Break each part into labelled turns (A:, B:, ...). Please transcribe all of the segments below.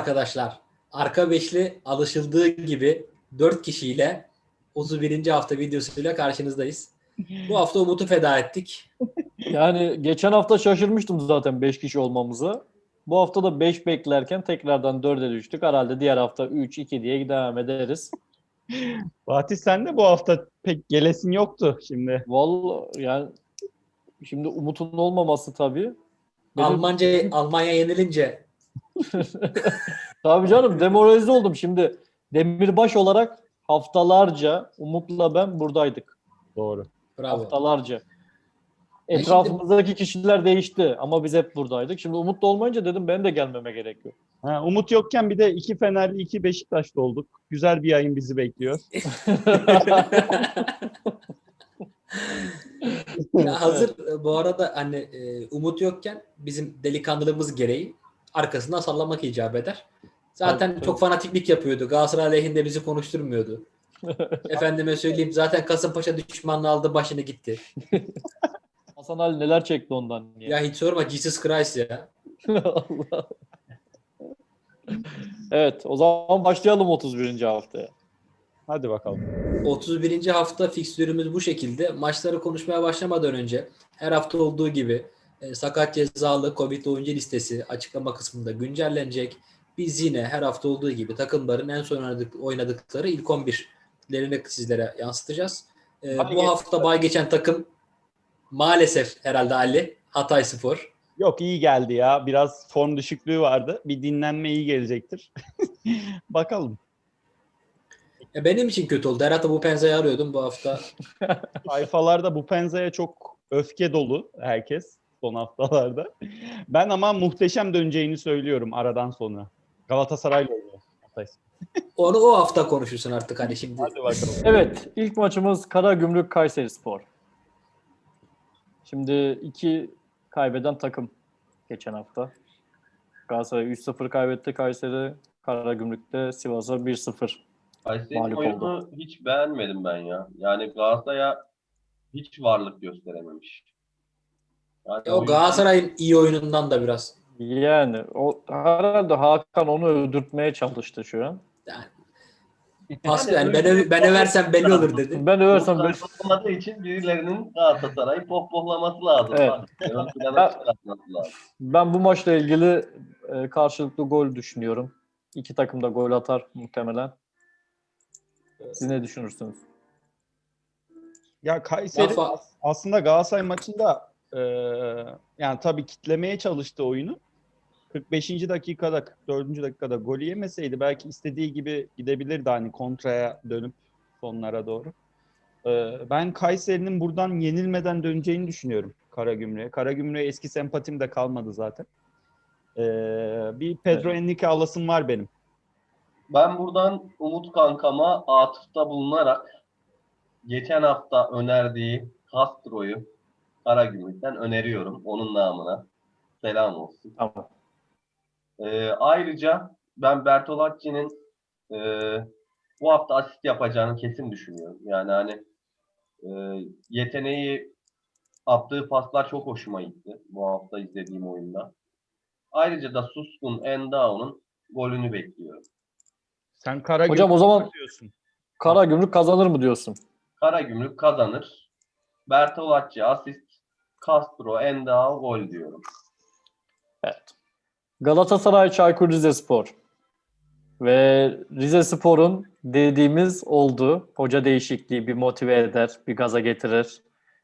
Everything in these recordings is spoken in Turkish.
A: arkadaşlar. Arka beşli alışıldığı gibi 4 kişiyle 31. hafta videosuyla karşınızdayız. Bu hafta Umut'u feda ettik.
B: Yani geçen hafta şaşırmıştım zaten 5 kişi olmamıza. Bu hafta da 5 beklerken tekrardan 4'e düştük. Herhalde diğer hafta 3-2 diye devam ederiz.
C: Fatih sen de bu hafta pek gelesin yoktu şimdi.
B: Vallahi yani şimdi Umut'un olmaması tabii. Benim...
A: Almanya yenilince
B: Tabii canım demoralize oldum şimdi. Demirbaş olarak haftalarca Umut'la ben buradaydık.
C: Doğru.
A: bravo.
B: Haftalarca.
A: Ben
B: Etrafımızdaki kişiler değişti ama biz hep buradaydık. Şimdi Umut da olmayınca dedim ben de gelmeme gerekiyor.
C: Umut yokken bir de 2 Fenerli 2 Beşiktaşlı olduk. Güzel bir yayın bizi bekliyor.
A: Ya hazır bu arada hani Umut yokken bizim delikanlılığımız gereği arkasından sallamak icap eder. Zaten
B: Tabii.
A: çok fanatiklik yapıyordu. Galatasaray aleyhinde bizi konuşturmuyordu. Efendime söyleyeyim zaten Kasımpaşa düşmanlığı aldı başını gitti.
B: Hasan Ali neler çekti ondan ya.
A: Ya hiç sorma Jesus Christ ya.
B: Allah. Evet, o zaman başlayalım 31. haftaya.
C: Hadi bakalım.
A: 31. hafta fikstürümüz bu şekilde. Maçları konuşmaya başlamadan önce her hafta olduğu gibi sakat cezalı Covid oyuncu listesi açıklama kısmında güncellenecek. Biz yine her hafta olduğu gibi takımların en son oynadıkları ilk 11'lerini sizlere yansıtacağız. Bu hafta bay geçen takım maalesef herhalde Ali Hatayspor.
C: Yok iyi geldi ya. Biraz form düşüklüğü vardı. Bir dinlenme iyi gelecektir. Bakalım.
A: Benim için kötü oldu. Herhalde bu Penza'yı arıyordum bu hafta.
C: Sayfalarda bu Penza'ya çok öfke dolu herkes son haftalarda. Ben ama muhteşem döneceğini söylüyorum aradan sonra. Galatasaray'la oynuyor.
A: Onu o hafta konuşursun artık hani şimdi.
C: Hadi bakalım.
B: Evet, ilk maçımız Karagümrük Kayserispor. Şimdi 2 kaybeden takım geçen hafta. Galatasaray 3-0 kaybetti Kayseri. Karagümrük'te Sivas'a 1-0
D: Kayseri'nin
B: mağlup
D: oyunu
B: oldu.
D: hiç beğenmedim ben ya. Yani Galatasaray'a hiç varlık gösterememiş. Yani
A: O
D: oyun
A: Galatasaray'ın iyi oyunundan da biraz.
B: Yani o herhalde Hakan onu öldürtmeye çalıştı şu an.
A: Yani, pas yani ben översem belli olur dedi.
B: Ben översem ben...
D: olmadığı için birilerinin Galatasaray'ı pohpohlaması lazım.
B: Evet.
D: Ön plana çıkartması lazım.
B: Ben bu maçla ilgili karşılıklı gol düşünüyorum. İki takım da gol atar muhtemelen. Siz ne düşünürsünüz?
C: Ya Kayseri
A: Rafa-
C: aslında Galatasaray maçında yani tabii kitlemeye çalıştı oyunu. 45. dakikada 44. dakikada golü yemeseydi belki istediği gibi gidebilirdi hani kontraya dönüp sonlara doğru. Ben Kayseri'nin buradan yenilmeden döneceğini düşünüyorum Karagümrük'e. Karagümrük'e eski sempatim de kalmadı zaten. Bir Pedro Henrique alasım var benim.
D: Ben buradan Umut kankama atıfta bulunarak geçen hafta önerdiği Castro'yu Karagümrük'ten öneriyorum. Onun namına. Selam olsun.
B: Tamam.
D: Ayrıca ben Bertolacci'nin bu hafta asist yapacağını kesin düşünüyorum. Yani hani yeteneği, attığı paslar çok hoşuma gitti bu hafta izlediğim oyunda. Ayrıca da Suskun Endao'nun golünü bekliyorum.
C: Sen Karagümrük
B: Hocam o zaman
C: diyorsun.
B: Karagümrük kazanır mı diyorsun?
D: Karagümrük kazanır. Bertolacci asist, Castro Endao gol diyorum.
B: Evet. Galatasaray Çaykur Rizespor. Ve Rizespor'un dediğimiz oldu. Hoca değişikliği bir motive eder, bir gaza getirir.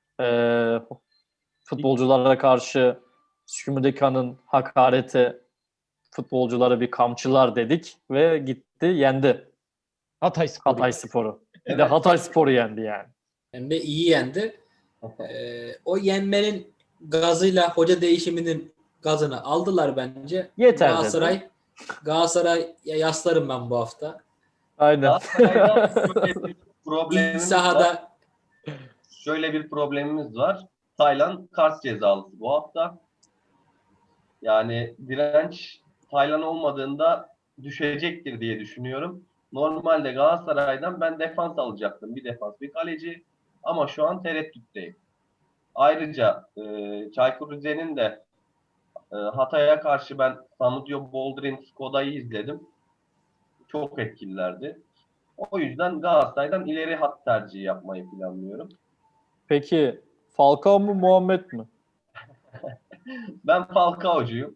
B: Futbolculara karşı Şümüdeka'nın hakareti futbolculara bir kamçılar dedik ve gitti yendi
C: Hatayspor.
B: Hatayspor'u. Bir de Hatayspor'u yendi yani.
A: Hem de iyi yendi. O yenmenin gazıyla hoca değişiminin gazını aldılar bence.
B: Yeter
A: Galatasaray'a yaslarım ben bu hafta.
B: Aynen.
D: Galatasaray'da şöyle bir
A: İlk
D: problemimiz var.
A: sahada
D: Şöyle bir problemimiz var. Taylan kart cezalısı bu hafta. Yani direnç Taylan olmadığında düşecektir diye düşünüyorum. Normalde Galatasaray'dan ben defans alacaktım. Bir defans, bir kaleci. Ama şu an tereddütteyim. Ayrıca Çaykur Rize'nin de Hatay'a karşı ben Samudio Boldrin Skoda'yı izledim. Çok etkililerdi. O yüzden Galatasaray'dan ileri hat tercihi yapmayı planlıyorum.
B: Peki Falcao mu Muhammed mi?
D: Ben Falcao'cuyum.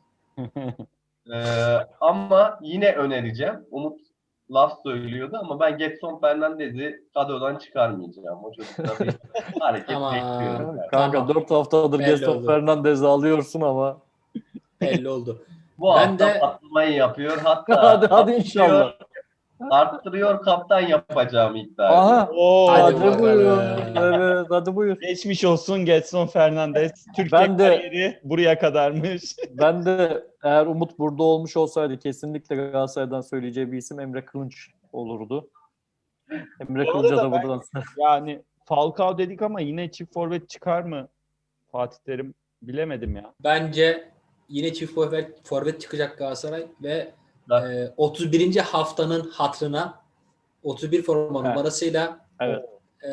D: Ama yine önereceğim. Umut laf söylüyordu ama ben Gedson Fernandez'i kadrodan çıkarmayacağım. O çocukta bir hareket
A: Ama-
D: bekliyorum. ben.
B: Kanka
A: Tamam.
B: 4 haftadır
A: Belli
B: Gaston
A: oldu.
B: Fernandez'i alıyorsun ama.
A: Belli oldu.
D: Bu
A: Ben
D: hafta
A: de-
D: patlamayı yapıyor. Hatta
B: Hadi inşallah.
D: arttırıyor kaptan yapacağım iddia.
B: Aha.
C: Oo,
A: Hadi
B: Hadi,
A: bakalım.
B: buyur. Evet, hadi buyur.
C: geçmiş olsun Gedson Fernandez. Türkiye
B: Ben de-
C: kariyeri buraya kadarmış.
B: Ben de eğer Umut burada olmuş olsaydı kesinlikle Galatasaray'dan söyleyeceği bir isim Emre Kılınç olurdu. Emre
C: Bu
B: Kılınç'a
C: arada
B: da buradan
C: Yani Falcao dedik ama yine çift forvet çıkar mı Fatih Terim? Bilemedim ya.
A: Bence yine çift forvet çıkacak Galatasaray ve
D: Evet.
A: 31. haftanın hatırına 31 forma
B: Evet.
A: numarasıyla
B: Evet.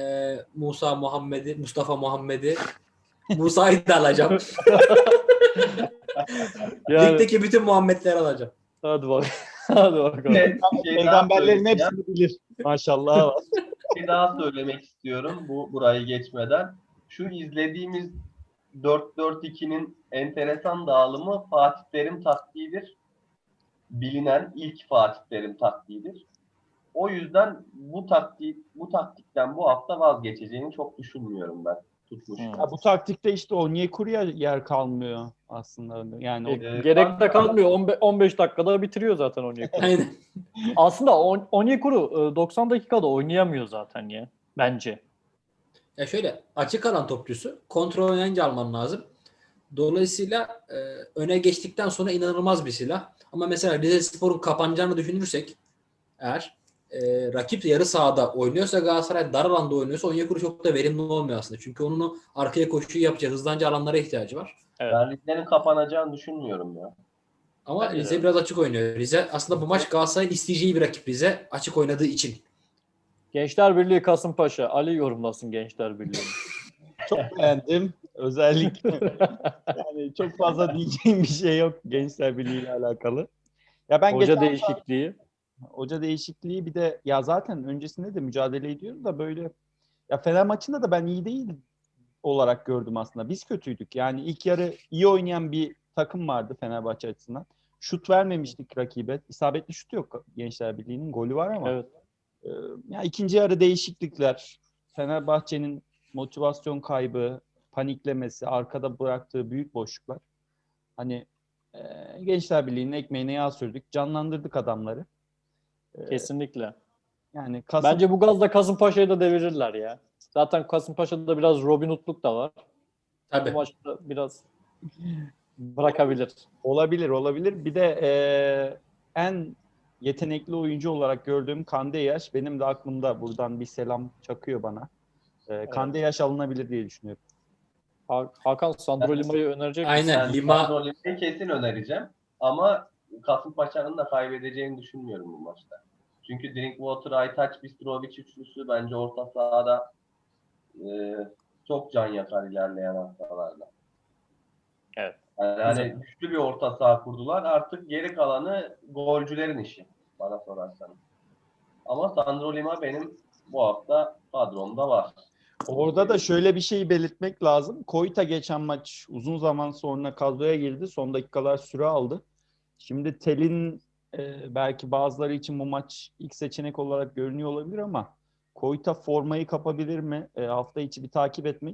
A: Mustafa Muhammed'i Musa'yı da alacağım.
B: Yani,
A: Ligdeki bütün Muhammed'leri alacağım.
B: hadi bak. Hadi bakalım.
D: Şey daha
C: Peygamberlerin
D: söyleyeceğim.
C: hepsini bilir. Maşallah var.
D: Bir daha söylemek istiyorum burayı geçmeden. Şu izlediğimiz 4-4-2'nin enteresan dağılımı Fatih Terim taktiğidir. Bilinen ilk Fatih Terim taktiğidir. O yüzden bu taktikten bu hafta vazgeçeceğini çok düşünmüyorum ben. Tutmuş.
C: Ya bu taktikte işte Onyekuru'ya yer kalmıyor aslında. Yani
B: Gerek de kalmıyor. 15 dakikada bitiriyor zaten Onyekuru.
A: Aynen.
B: Aslında Onyekuru 90 dakikada oynayamıyor zaten ya. Bence.
A: Ya şöyle açık alan topçusu kontrol oynayınca alman lazım. Dolayısıyla öne geçtikten sonra inanılmaz bir silah. Ama mesela Rizespor'un kapanacağını düşünürsek eğer rakip yarı sahada oynuyorsa Galatasaray dar alanda oynuyorsa Onyekuru çok da verimli olmuyor aslında. Çünkü onun o arkaya koşuyu yapacağı hızlanca alanlara ihtiyacı var.
B: Evet.
D: Ben liglerin kapanacağını düşünmüyorum ya.
A: Ama
B: Bence de
A: Rize
B: öyle.
A: biraz açık oynuyor. Rize aslında bu maç Galatasaray'ın isteyeceği bir rakip Rize açık oynadığı için.
B: Gençler Birliği Kasımpaşa. Ali yorumlasın Gençler Birliği'ni.
C: çok beğendim. Özellikle yani çok fazla diyeceğim bir şey yok Gençler Birliği ile alakalı. Ya ben
B: Hoca
C: geçen
B: değişikliği.
C: hoca değişikliği bir de ya zaten öncesinde de mücadele ediyoruz da böyle ya Fener maçında da ben iyi değil olarak gördüm aslında. Biz kötüydük. Yani ilk yarı iyi oynayan bir takım vardı Fenerbahçe açısından. Şut vermemiştik rakibe. İsabetli şut yok Gençler Birliği'nin. Golü var ama.
B: Evet.
C: Ya ikinci yarı değişiklikler, Fenerbahçe'nin motivasyon kaybı, paniklemesi, arkada bıraktığı büyük boşluklar. Hani Gençler Birliği'nin ekmeğine yağ sürdük, canlandırdık adamları.
B: Kesinlikle.
C: Yani
B: Bence bu gazla Kasımpaşa'yı da devirirler ya. Zaten Kasımpaşa'da biraz Robin Hood'luk da var.
A: Tabii.
B: Bu maçta biraz bırakabilir.
C: olabilir. Bir de en yetenekli oyuncu olarak gördüğüm Kandeyaş benim de aklımda, buradan bir selam çakıyor bana. Kandeyaş alınabilir diye düşünüyorum.
B: Hakan Sandro Lima'yı önerecek misin?
A: Aynen.
D: Ben
A: Lima
D: Sandro'yu kesin önereceğim. Ama Kasımpaşa'nın da kaybedeceğini düşünmüyorum bu maçta. Çünkü Drinkwater, Aytaç, Bistrovic üçlüsü bence orta sahada çok can yakar ilerleyen haftalarda.
B: Evet.
D: Yani güçlü bir orta saha kurdular. Artık geri kalanı golcülerin işi bana sorarsanız. Ama Sandro Lima benim bu hafta kadromda var.
C: Orada da şöyle bir şey belirtmek lazım. Koyta geçen maç uzun zaman sonra kadroya girdi. Son dakikalar süre aldı. Şimdi Tel'in belki bazıları için bu maç ilk seçenek olarak görünüyor olabilir ama Koyta formayı kapabilir mi? Hafta içi bir takip etmek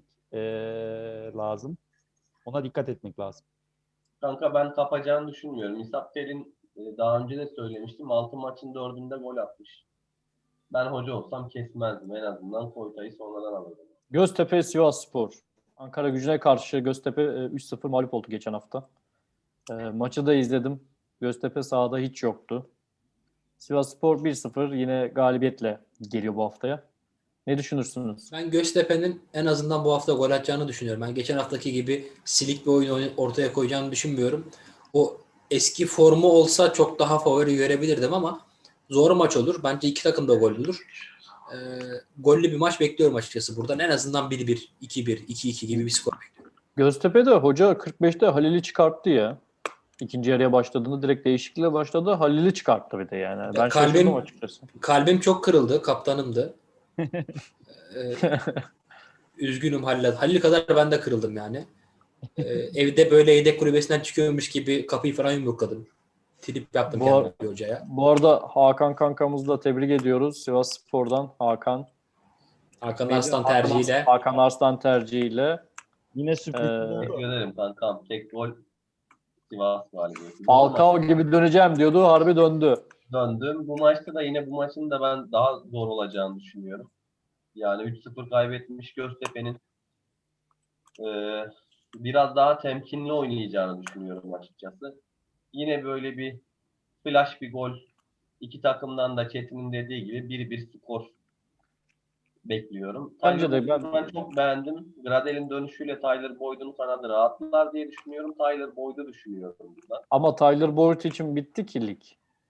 C: lazım. Ona dikkat etmek lazım.
D: Kanka ben kapacağını düşünmüyorum. İshak Tel'in daha önce de söylemiştim. 6 maçın 4'ünde gol atmış. Ben hoca olsam kesmezdim. En azından Koyta'yı sonradan alırdım.
B: Göztepe Sivasspor. Ankara Gücü'ne karşı Göztepe 3-0 mağlup oldu geçen hafta. Maçı da izledim. Göztepe sahada hiç yoktu. Sivasspor 1-0 yine galibiyetle geliyor bu haftaya. Ne düşünürsünüz?
A: ben Göztepe'nin en azından bu hafta gol atacağını düşünüyorum. Ben geçen haftaki gibi silik bir oyun ortaya koyacağını düşünmüyorum. O eski formu olsa çok daha favori görebilirdim ama zor maç olur. Bence iki takım da gol olur. Gollü bir maç bekliyorum açıkçası buradan. En azından 1-1, 2-1, 2-2 gibi bir skor bekliyorum.
B: Göztepe'de hoca 45'te Halil'i çıkarttı ya. İkinci yarıya başladığında direkt değişikliğe başladı. Halil'i çıkarttı bir de yani. Ben şaşırdım açıkçası.
A: Kalbim çok kırıldı. Kaptanımdı. Ee, üzgünüm Halil. Halil kadar ben de kırıldım yani. Evde böyle yedek kulübesinden çıkıyormuş gibi kapıyı falan yumrukladım. Trip yaptım kendime bir hocaya.
B: Bu arada Hakan kankamızı da tebrik ediyoruz. Sivasspor'dan Hakan.
A: Hakan Arslan tercihiyle.
B: Hakan Arslan tercihiyle.
C: Yine sürpriz oldu.
D: Teşekkür ederim kankam. Tek gol Sivas galibiyeti.
B: Falcao gibi döneceğim diyordu. Harbi döndü.
D: Döndüm. Bu maçta da yine bu maçın da ben daha zor olacağını düşünüyorum. Yani 3-0 kaybetmiş Göztepe'nin biraz daha temkinli oynayacağını düşünüyorum açıkçası. Yine böyle bir flash bir gol. İki takımdan da Çetin'in dediği gibi 1-1 skor bekliyorum.
B: Bence de
D: ben çok beğendim. Gradel'in dönüşüyle Tyler Boyd'un kanadı rahatlar diye düşünüyorum. Tyler Boyd'u düşünüyorum burada.
B: Ama Tyler Boyd için bitti ki lig.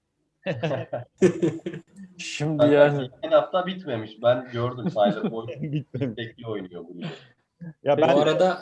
B: Şimdi yani.
D: Geçen hafta bitmemiş. Ben gördüm Tyler Boyd
C: Bitmemiş.
D: bekli oynuyor bu lige.
C: Ya
A: Bu
C: ben
A: arada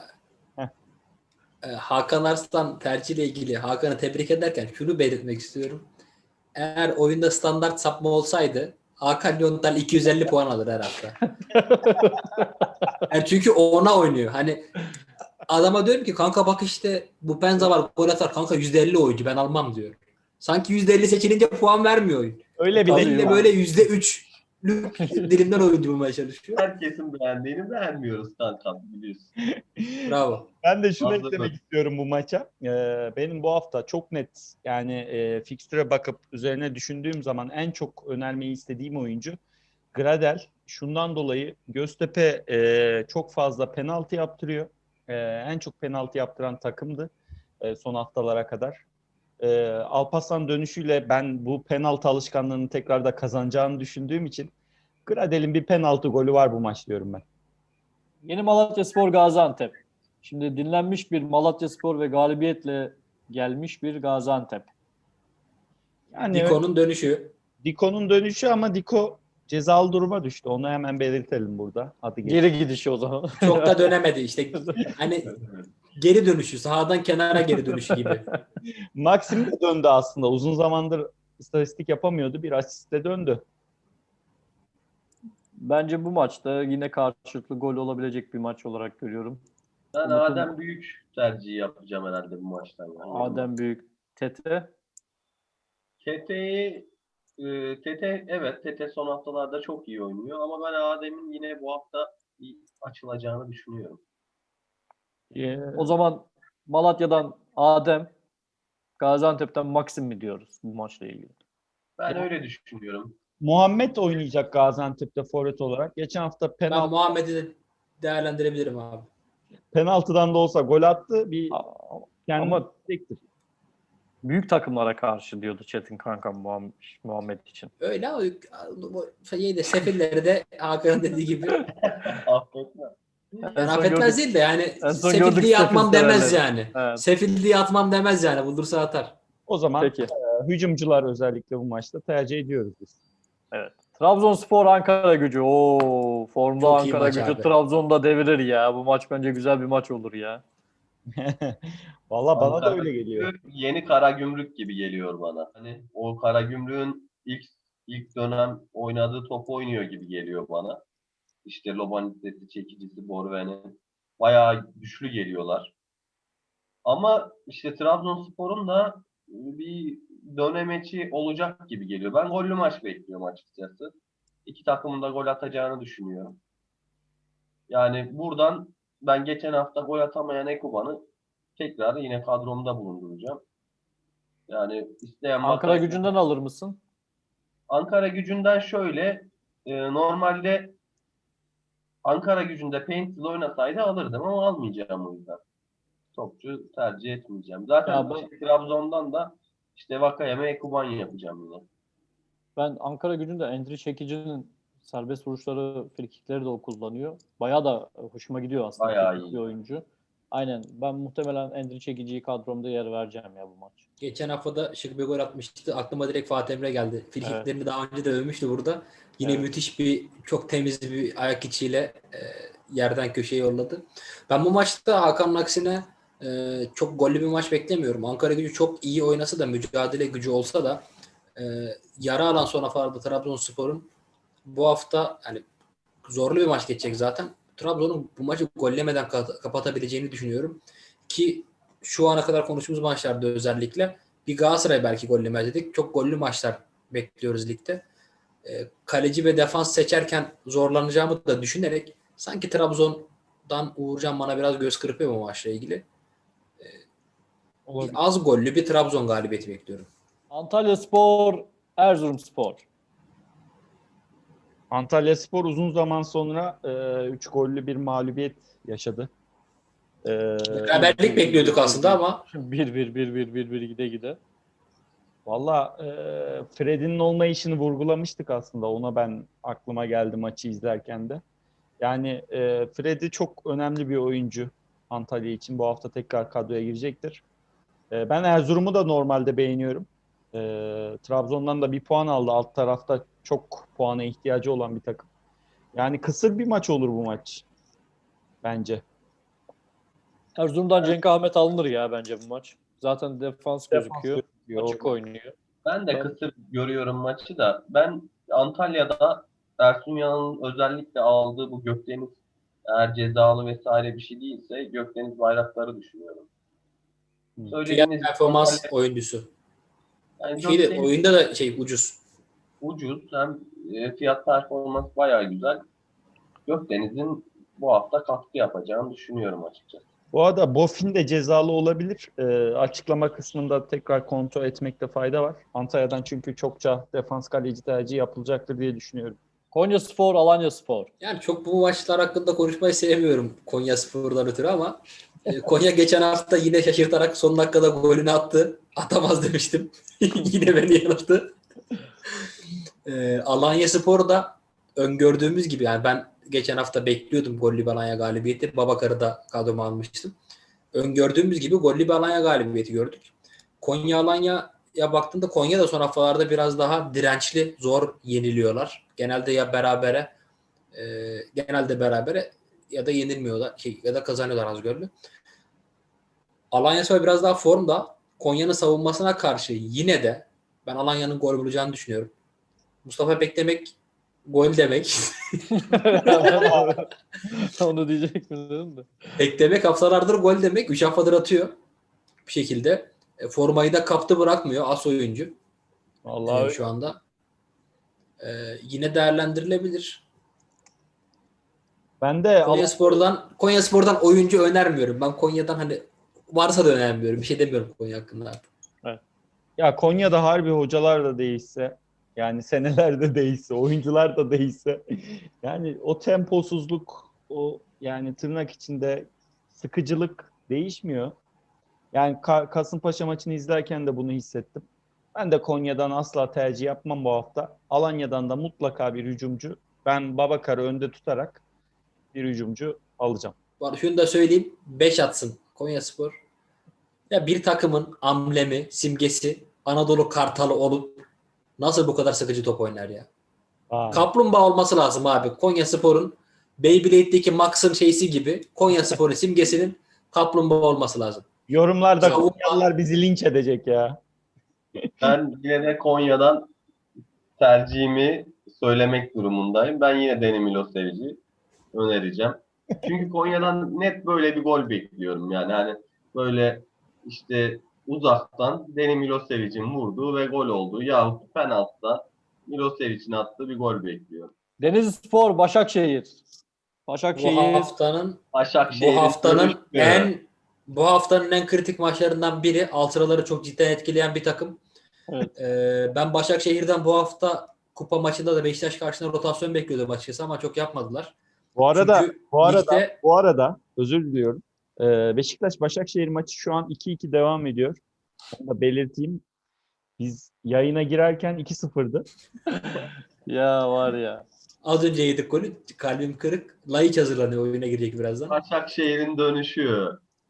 A: Hakan Arslan tercihiyle ilgili Hakan'ı tebrik ederken şunu belirtmek istiyorum. Eğer oyunda standart sapma olsaydı Hakan Yontal 250 puan alır her hafta. Yani çünkü ona oynuyor. Hani adama diyorum ki kanka bak işte bu Penza var gol atar kanka %50 oyuncu ben almam diyor. Sanki %50 seçilince puan vermiyor oyun.
C: öyle bir
A: Halil de böyle %3'lük dilimden oyuncu bulmaya çalışıyor.
D: Herkesin beğendiğini beğenmiyoruz kankam biliyorsun.
A: Bravo.
C: Ben de şunu
D: Fazla
C: eklemek
D: dön.
C: istiyorum bu maça. Benim bu hafta çok net yani fikstüre bakıp üzerine düşündüğüm zaman en çok önermeyi istediğim oyuncu Gradel. Şundan dolayı Göztepe çok fazla penaltı yaptırıyor. En çok penaltı yaptıran takımdı son haftalara kadar. Alparslan dönüşüyle ben bu penaltı alışkanlığını tekrar da kazanacağını düşündüğüm için Gradel'in bir penaltı golü var bu maç diyorum ben.
B: Yeni Malatyaspor Gaziantep. Şimdi dinlenmiş bir Malatyaspor ve galibiyetle gelmiş bir Gaziantep.
C: Yani
A: Diko'nun dönüşü.
C: Diko'nun dönüşü ama Diko cezalı duruma düştü. Onu hemen belirtelim burada. Adı geçti.
B: Geri gidişi o zaman.
A: Çok da dönemedi işte. Hani geri dönüşü, sahadan kenara geri dönüşü gibi.
C: Maxim de döndü aslında. Uzun zamandır istatistik yapamıyordu. Bir asistle döndü.
B: Bence bu maçta yine karşılıklı gol olabilecek bir maç olarak görüyorum.
D: Ben
B: Umut'un-
D: Adem Büyük tercihi yapacağım herhalde bu maçtan. Yani.
B: Adem Büyük, Tete.
D: Tete son haftalarda çok iyi oynuyor ama ben Adem'in yine bu hafta bir açılacağını düşünüyorum.
B: O zaman Malatya'dan Adem, Gaziantep'ten Maxim mi diyoruz bu maçla ilgili?
D: Ben öyle düşünüyorum.
C: Muhammed oynayacak Gaziantep'te forvet olarak. Geçen hafta
A: Ben Muhammed'i de değerlendirebilirim abi.
C: penaltıdan da olsa gol attı. Bir kendini
B: Ama
C: çektir.
B: büyük takımlara karşı diyordu Çetin kankam Muhammed için.
A: Öyle ama sefilleri de Hakan'ın dediği gibi
D: Affetme.
A: yani affetmez değil de yani
B: en son
A: sefil
B: gördük
A: diye atmam
B: sefil
A: demez
B: severleri.
A: yani.
B: Evet.
A: Sefil diye atmam demez yani. Bulursa atar.
C: O zaman
B: Peki.
C: hücumcular özellikle bu maçta tercih ediyoruz biz.
B: Evet. Trabzonspor Ankara Gücü. Oo, formda
A: Çok iyi
B: Ankara
A: maç
B: Gücü
A: abi.
B: Trabzon'da devirir ya. Bu maç bence güzel bir maç olur ya.
C: Valla bana da
D: Ankara
C: öyle geliyor.
D: Yeni Karagümrük gibi geliyor bana. Hani o Karagümrük'ün ilk dönem oynadığı top oynuyor gibi geliyor bana. İşte Lobanitesi, çekicisi, Borven'in bayağı güçlü geliyorlar. Ama işte Trabzonspor'un da bir dönemeci olacak gibi geliyor. Ben gollü maç bekliyorum açıkçası. İki takımın da gol atacağını düşünüyorum. Yani buradan ben geçen hafta gol atamayan Ekuban'ı tekrar yine kadromda bulunduracağım. Yani isteyen
B: Ankara
D: bakar.
B: Gücü'nden alır mısın?
D: Ankara Gücü'nden şöyle normalde Ankara Gücü'nde Paint'le oynasaydı alırdım ama almayacağım o yüzden. Topçu tercih etmeyeceğim. Zaten
B: Ya ben-
D: Trabzon'dan da işte Vakayeme Ekuban yapacağım yine.
B: Ben Ankara Gücü'nde Endri Çekici'nin serbest vuruşları, frikikleri de o kullanıyor. Bayağı da hoşuma gidiyor aslında.
D: Bayağı
B: Teknik
D: iyi.
B: bir oyuncu. Aynen. Ben muhtemelen Endri Çekici'yi kadromda yer vereceğim ya bu maç.
A: Geçen hafta da şık bir gol atmıştı. Aklıma direkt Fatih Emre geldi. Frikiklerini daha önce de övmüştü burada. Yine
B: Evet.
A: müthiş bir, çok temiz bir ayak içiyle yerden köşeye yolladı. Ben bu maçta Hakan'ın aksine çok gollü bir maç beklemiyorum. Ankaragücü çok iyi oynasa da, mücadele gücü olsa da e, yara alan son haftalarda Trabzonspor'un bu hafta hani zorlu bir maç geçecek zaten. Trabzon'un bu maçı gollemeden kapatabileceğini düşünüyorum. Ki şu ana kadar konuştuğumuz maçlarda özellikle bir Galatasaray belki gollemez dedik. Çok gollü maçlar bekliyoruz ligde. Kaleci ve defans seçerken zorlanacağımı da düşünerek sanki Trabzon'dan Uğurcan bana biraz göz kırpıyor bu maçla ilgili. Bir
C: Olabilir.
A: az gollü bir Trabzon galibiyeti bekliyorum.
B: Antalyaspor, Erzurumspor.
C: Antalyaspor uzun zaman sonra 3 gollü bir mağlubiyet yaşadı.
A: Beraberlik bekliyorduk aslında ama
B: 1-1 gide gide.
C: Valla Fred'in olmayışını vurgulamıştık aslında. Ona ben aklıma geldi maçı izlerken de. Yani Fred'i çok önemli bir oyuncu Antalya için. Bu hafta tekrar kadroya girecektir. Ben Erzurum'u da normalde beğeniyorum. Trabzon'dan da bir puan aldı. Alt tarafta çok puana ihtiyacı olan bir takım. Yani kısır bir maç olur bu maç. Bence.
B: Erzurum'dan Cenk Ahmet alınır ya bence bu maç. Zaten defans gözüküyor.
C: gözüküyor.
B: Açık oynuyor.
D: Ben de
B: Ben-
D: kısır görüyorum maçı da. Ben Antalya'da Ersun Yanal'ın özellikle aldığı bu Gökdeniz, eğer cezalı vesaire bir şey değilse, Gökdeniz Bayraktar'ı düşünüyorum.
A: fiyat
D: Söylediğiniz
A: performans
D: Antalya,
A: oyuncusu.
D: yani
A: Şeyde,
D: Gökdeniz
A: oyunda da ucuz.
D: ucuz, hem fiyat performans bayağı güzel. Gökdeniz'in bu hafta katkı yapacağını düşünüyorum açıkçası.
C: Bu arada Bofin de cezalı olabilir. Açıklama kısmında tekrar kontrol etmekte fayda var. Antalya'dan çünkü çokça defans kaleci tercihi yapılacaktır diye düşünüyorum.
B: Konyaspor, Alanyaspor.
A: Yani çok bu maçlar hakkında konuşmayı sevmiyorum Konyaspor'dan ötürü ama Konya geçen hafta yine şaşırtarak son dakikada golünü attı. Atamaz demiştim. Yine beni yanılttı. Alanyaspor da öngördüğümüz gibi, yani ben geçen hafta bekliyordum gollü bir Alanya galibiyeti. Babakar'ı da kadroma almıştım. Öngördüğümüz gibi gollü bir Alanya galibiyeti gördük. Konya Alanya'ya baktığında Konya da son haftalarda biraz daha dirençli, zor yeniliyorlar. Genelde berabere ya da yenilmiyorlar ya da kazanıyorlar az gollü. Alanyaspor biraz daha formda. Konya'nın savunmasına karşı yine de ben Alanya'nın gol bulacağını düşünüyorum. Mustafa beklemek gol demek.
B: Onu diyecek mi dedim de.
A: Beklemek haftalardır gol demek. 3 haftadır atıyor bir şekilde. Formayı da kaptı, bırakmıyor. As oyuncu
C: Vallahi
A: şu anda. Yine değerlendirilebilir.
C: ben de
A: Konyaspor'dan oyuncu önermiyorum. Ben Konya'dan hani varsa da önermiyorum. Bir şey demiyorum Konya hakkında artık.
C: ya Konya'da harbi hocalar da değişse, yani senelerde değişse, oyuncular da değişse, yani o temposuzluk, o yani tırnak içinde sıkıcılık değişmiyor. Yani Kasımpaşa maçını izlerken de bunu hissettim. Ben de Konya'dan asla tercih yapmam bu hafta. Alanya'dan da mutlaka bir hücumcu. Ben Babakar'ı önde tutarak bir hücumcu alacağım.
A: Şunu da söyleyeyim. 5 atsın Konyaspor. Ya bir takımın amblemi, simgesi Anadolu Kartalı olup nasıl bu kadar sıkıcı top oynar ya? Kaplumbağa olması lazım abi. Konyaspor'un Beyblade'deki Max'ın şeysi gibi Konyaspor'un simgesinin kaplumbağa olması lazım.
C: Yorumlarda
A: Savunma-
C: Konyalılar bizi linç edecek ya.
D: Ben yine de Konya'dan tercihimi söylemek durumundayım. Ben yine Deni Milosevic'i önereceğim. Çünkü Konya'dan net böyle bir gol bekliyorum. Yani hani böyle işte uzaktan Deni Milosevic'in vurduğu ve gol olduğu yahut penaltıdan Milosevic'in attığı bir gol bekliyorum.
B: Denizlispor, Başakşehir.
A: Bu
B: Başakşehir
A: haftanın
D: Başakşehir'in
A: bu haftanın en kritik maçlarından biri. Altıraları çok cidden etkileyen bir takım.
B: Evet.
A: Ben Başakşehir'den bu hafta kupa maçında da Beşiktaş karşısında rotasyon bekliyordum açıkçası ama çok yapmadılar.
C: Bu arada
A: Çünkü ligde
C: bu arada özür diliyorum. Beşiktaş Başakşehir maçı şu an 2-2 devam ediyor. Onu da belirteyim. Biz yayına girerken 2-0'dı.
B: ya var ya.
A: az önce yedik golü. Kalbim kırık. Laiç hazırlanıyor. Oyuna girecek birazdan.
D: Başakşehir'in dönüşü.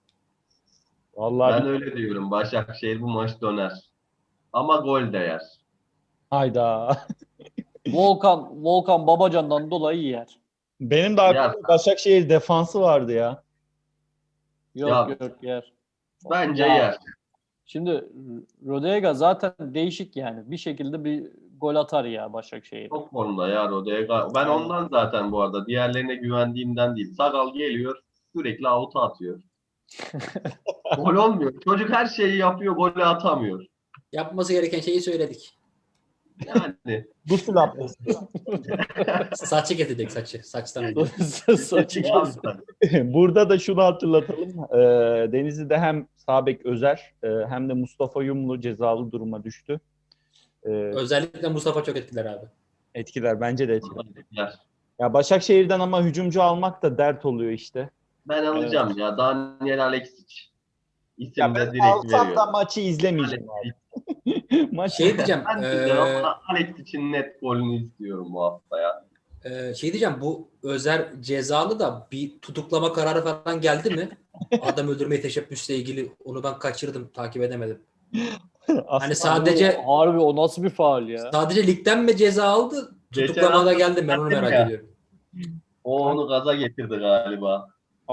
C: Vallahi
D: Ben öyle diyorum. Başakşehir bu maç döner. Ama gol de yer.
C: hayda.
B: Volkan Babacan'dan dolayı yer.
C: Benim de aklımda
D: Ya,
C: Başakşehir defansı vardı ya.
B: Yok
D: Ya,
B: yok yer.
D: bence
B: Ya,
D: yer.
B: Şimdi Rodega zaten değişik yani. Bir şekilde bir gol atar ya Başakşehir'e.
D: Çok formda ya Rodega. Ben
B: Aynen.
D: ondan zaten bu arada diğerlerine güvendiğimden değil. Sakal geliyor sürekli avuta atıyor. Gol olmuyor. Çocuk her şeyi yapıyor, golü atamıyor.
A: Yapması gereken şeyi söyledik.
D: Yani
C: Gusül abdesti.
A: Saçı getirecek saçı. Saçtan önce.
B: Saçı kes.
C: Burada da şunu hatırlatalım. Denizli'de hem sağ bek Özer hem de Mustafa Yumlu cezalı duruma düştü.
A: Özellikle Mustafa çok etkiler abi.
C: Etkiler, bence de etkiler.
D: yer.
C: Ya Başakşehir'den ama hücumcu almak da dert oluyor işte.
D: Ben alacağım ya. Daniel Alexic.
C: Ya
D: İsim de
C: ben
D: direkt
C: alsam da
D: veriyor.
C: maçı izlemeyeceğim abi. Maç
A: Şey diyeceğim.
D: Ben de ama Alexic'in net golünü istiyorum bu hafta ya.
A: Şey diyeceğim. Bu Özer cezalı da bir tutuklama kararı falan geldi mi? Adam öldürmeye teşebbüsle ilgili onu ben kaçırdım. Takip edemedim. Hani sadece
B: Harbi o nasıl bir faul ya?
A: sadece ligden mi ceza aldı?
D: Geçen
A: Tutuklamada
D: hafta
A: geldi mi? Ben onu
D: dedim
A: merak
D: ya.
A: ediyorum.
D: O onu gaza getirdi galiba.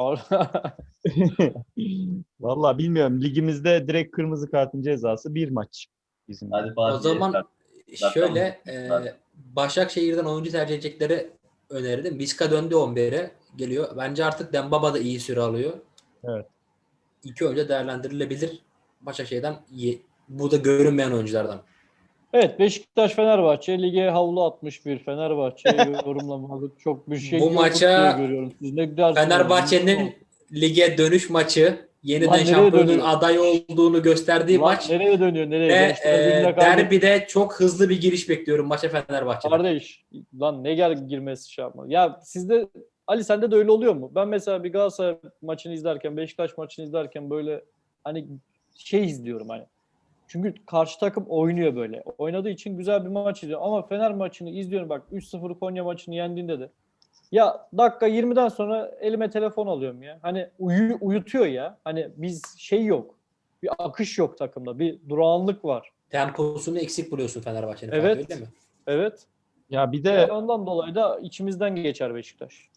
C: Vallahi bilmiyorum. Ligimizde direkt kırmızı kartın cezası bir maç bizim.
D: Hadi
A: O
D: Fatih
A: zaman
D: Yeter.
A: şöyle
D: Zaten-
A: Başakşehir'den oyuncu tercih edecekleri önerdim. Vizca döndü 11'e geliyor. Bence artık Dembaba da iyi süre alıyor.
C: Evet.
A: İki oyuncu değerlendirilebilir. Başakşehir'den iyi. Bu da görünmeyen oyunculardan.
B: Evet, Beşiktaş Fenerbahçe lige havlu atmış bir Fenerbahçe yorumlamadık. Çok bir şey
A: Bu
B: yok
A: maça
B: diye görüyorum. Siz ne dersiniz?
A: Fenerbahçe'nin lige dönüş maçı, yeniden
B: Lan nereye
A: şampiyonun
B: dönüyor?
A: aday olduğunu gösterdiği
B: Lan
A: maç
B: nereye dönüyor? Nereye?
A: ve
B: Gençler Birliği'ne kaybetti.
A: derbide çok hızlı bir giriş bekliyorum maça Fenerbahçe'den.
B: Kardeş, lan ne girmesi şey yapma. Ya sizde Ali sende de öyle oluyor mu? Ben mesela bir Galatasaray maçını izlerken, Beşiktaş maçını izlerken böyle hani şey izliyorum hani. Çünkü karşı takım oynuyor böyle. Oynadığı için güzel bir maç izliyorum. Ama Fener maçını izliyorum bak 3-0 Konya maçını yendiğinde de. Ya dakika 20'den sonra elime telefon alıyorum ya. Hani uyutuyor ya. Hani biz şey yok. Bir akış yok takımda. Bir durağanlık var.
A: Temposunu eksik buluyorsun Fenerbahçe'nin.
B: Evet.
A: Fatih, öyle mi?
B: Evet.
C: Ya bir
B: Ve
C: de
B: ondan dolayı da içimizden geçer Beşiktaş.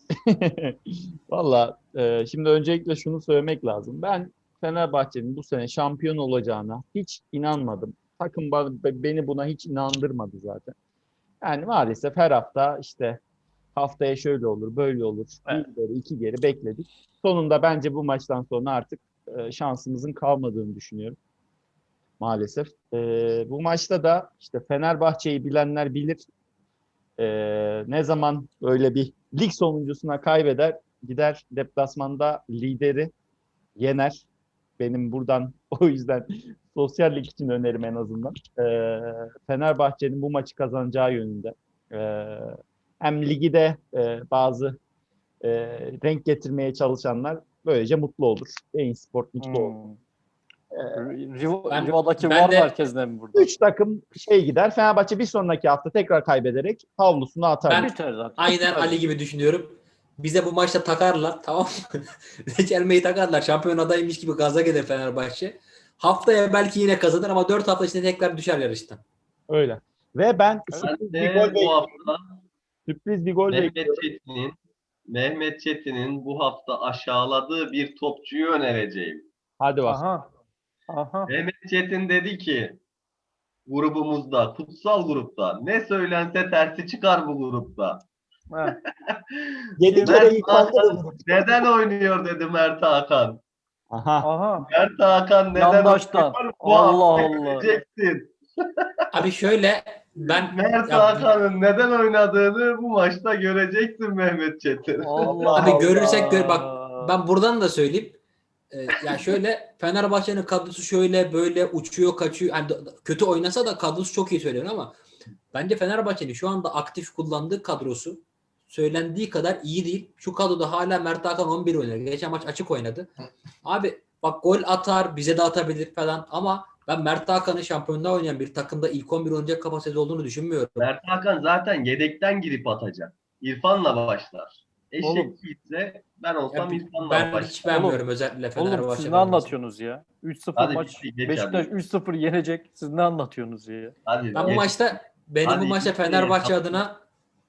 C: valla şimdi öncelikle şunu söylemek lazım. Ben Fenerbahçe'nin bu sene şampiyon olacağına hiç inanmadım. Takım beni buna hiç inandırmadı zaten. Yani maalesef her hafta işte haftaya şöyle olur, böyle olur.
B: Evet.
C: Bir geri, iki geri bekledik. Sonunda bence bu maçtan sonra artık şansımızın kalmadığını düşünüyorum. Maalesef. Bu maçta da işte Fenerbahçe'yi bilenler bilir. Ne zaman böyle bir lig sonuncusuna kaybeder, gider deplasmanda lideri yener. Benim buradan o yüzden sosyal lig için önerim en azından. Fenerbahçe'nin bu maçı kazanacağı yönünde. Hem ligi de bazı renk getirmeye çalışanlar böylece mutlu olur. Bein Sport mutlu olur.
B: Riva'daki
A: ben
B: var
A: de-
B: merkezden mi burada?
C: 3 takım gider. Fenerbahçe bir sonraki hafta tekrar kaybederek havlusunu atar.
A: Ben-
B: Biter zaten.
A: Aynen
B: Tabii.
A: Ali gibi düşünüyorum. Bize bu maçta takarlar, tamam mı? Reçelmeyi takarlar. Şampiyon adaymış gibi gaza gelir Fenerbahçe. Haftaya belki yine kazanır ama 4 hafta içinde tekrar düşer yarıştan.
C: Öyle. Ve ben
D: Ben
C: sürpriz bir
D: de
C: gol
D: bu
C: bekliyorum.
D: hafta
C: Sürpriz bir gol bekliyorum.
D: Mehmet Çetin'in bu hafta aşağıladığı bir topçuyu önereceğim.
C: Hadi bak.
B: Aha.
D: Mehmet Çetin dedi ki grubumuzda, kutsal grupta ne söylense tersi çıkar bu grupta.
B: Heh.
C: 7
D: Mert
C: kere yıkandı bu
D: Hakan
C: grup.
D: neden oynuyor dedi Mert Hakan.
C: Aha.
B: Aha.
D: Mert Hakan neden
B: Yandaştan.
D: oynuyor? Bu
B: Allah
D: hafta
B: Allah.
D: göreceksin.
A: Abi şöyle ben
D: Mert
A: ya,
D: Hakan'ın neden oynadığını bu maçta göreceksin Mehmet Çetin.
B: Allah
A: abi
B: Allah.
A: görürsek bak ben buradan da söyleyeyim. Ya şöyle Fenerbahçe'nin kadrosu şöyle böyle uçuyor kaçıyor. Yani kötü oynasa da kadrosu çok iyi söylüyor ama bence Fenerbahçe'nin şu anda aktif kullandığı kadrosu söylendiği kadar iyi değil. Şu kadroda hala Mert Hakan 11 oynuyor. Geçen maç açık oynadı. Abi bak gol atar, bize de atabilir falan ama ben Mert Hakan'ın şampiyonluğa oynayan bir takımda ilk 11 oynayacak kapasitesi olduğunu düşünmüyorum.
D: Mert Hakan zaten yedekten girip atacak. İrfan'la başlar.
B: Oğlum.
D: Eşek ise ben olsam
A: Ya
D: İrfan'la
A: ben
D: başlar.
A: hiç beğenmiyorum özellikle Fenerbahçe.
B: Oğlum siz ne
A: formasını.
B: anlatıyorsunuz ya? 3-0
D: Hadi
B: maç.
D: bitti, geç
B: Beşiktaş
D: hadi.
B: 3-0 yenecek. Siz ne anlatıyorsunuz ya?
D: Hadi
A: Ben bu
D: geç.
A: maçta benim
D: Hadi
A: bu maçta
D: bitti.
A: Fenerbahçe adına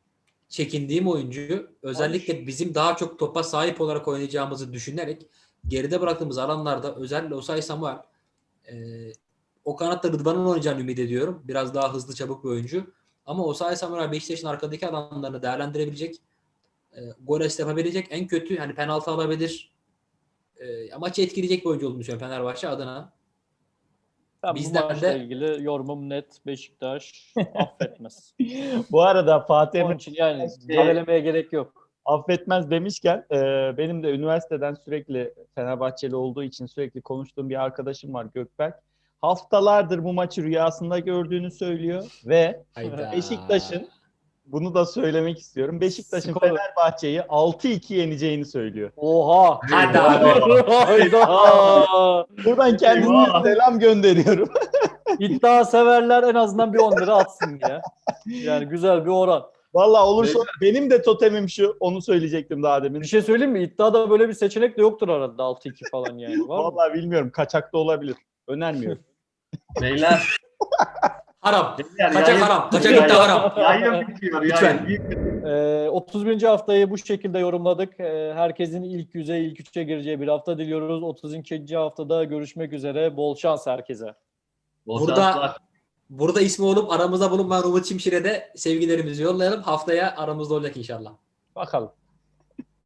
A: çekindiğim oyuncu, özellikle bizim daha çok topa sahip olarak oynayacağımızı düşünerek geride bıraktığımız alanlarda özellikle Osayi Samuel, o kanatta Rıdvan'ın oynayacağını ümit ediyorum. Biraz daha hızlı, çabuk bir oyuncu. Ama Osayi Samuel Beşiktaş'ın arkadaki alanlarını değerlendirebilecek, gol asist yapabilecek, en kötü hani penaltı alabilir. Maçı etkileyecek bir oyuncu olduğunu düşünüyorum Fenerbahçe adına.
B: Ben
A: Bizden
B: bu maçla
A: de-
B: ilgili yorumum net. Beşiktaş affetmez.
C: Bu arada Fatih
B: Onun
C: Emre
B: için yani
C: Şey-
B: gevelemeye gerek yok.
C: affetmez demişken benim de üniversiteden sürekli Fenerbahçeli olduğu için sürekli konuştuğum bir arkadaşım var, Gökberk. Haftalardır bu maçı rüyasında gördüğünü söylüyor ve
A: Hayda.
C: Beşiktaş'ın, bunu da söylemek istiyorum, Beşiktaş'ın
B: Skoru.
C: Fenerbahçe'yi 6-2 yeneceğini söylüyor.
B: Oha!
A: Hadi abi.
B: Hayda!
C: Buradan kendisine
D: Eyvah.
C: selam gönderiyorum.
B: İddia severler en azından bir 10 lira atsın ya. Yani güzel bir oran.
C: Vallahi olursa benim de totemim şu. Onu söyleyecektim daha demin.
B: Bir şey söyleyeyim mi? İddiada böyle bir seçenek de yoktur arada 6-2 falan yani. Var mı?
C: Vallahi bilmiyorum. Kaçak da olabilir. Önermiyorum.
D: Beyler.
A: Haram.
D: beyler,
A: Kaçak
D: yayın-
A: haram. Kaçak iddia haram.
D: Yayın bitiyor.
A: Lütfen.
D: Yayın.
B: 31. haftayı bu şekilde yorumladık. Herkesin ilk yüze, ilk üçe gireceği bir hafta diliyoruz. 32. haftada görüşmek üzere. Bol şans herkese.
D: Bol
A: Burada-
D: şanslar.
A: Burada ismi olup aramızda bulunmayan Umut Çimşir'e de sevgilerimizi yollayalım. Haftaya aramızda olacak inşallah.
C: Bakalım.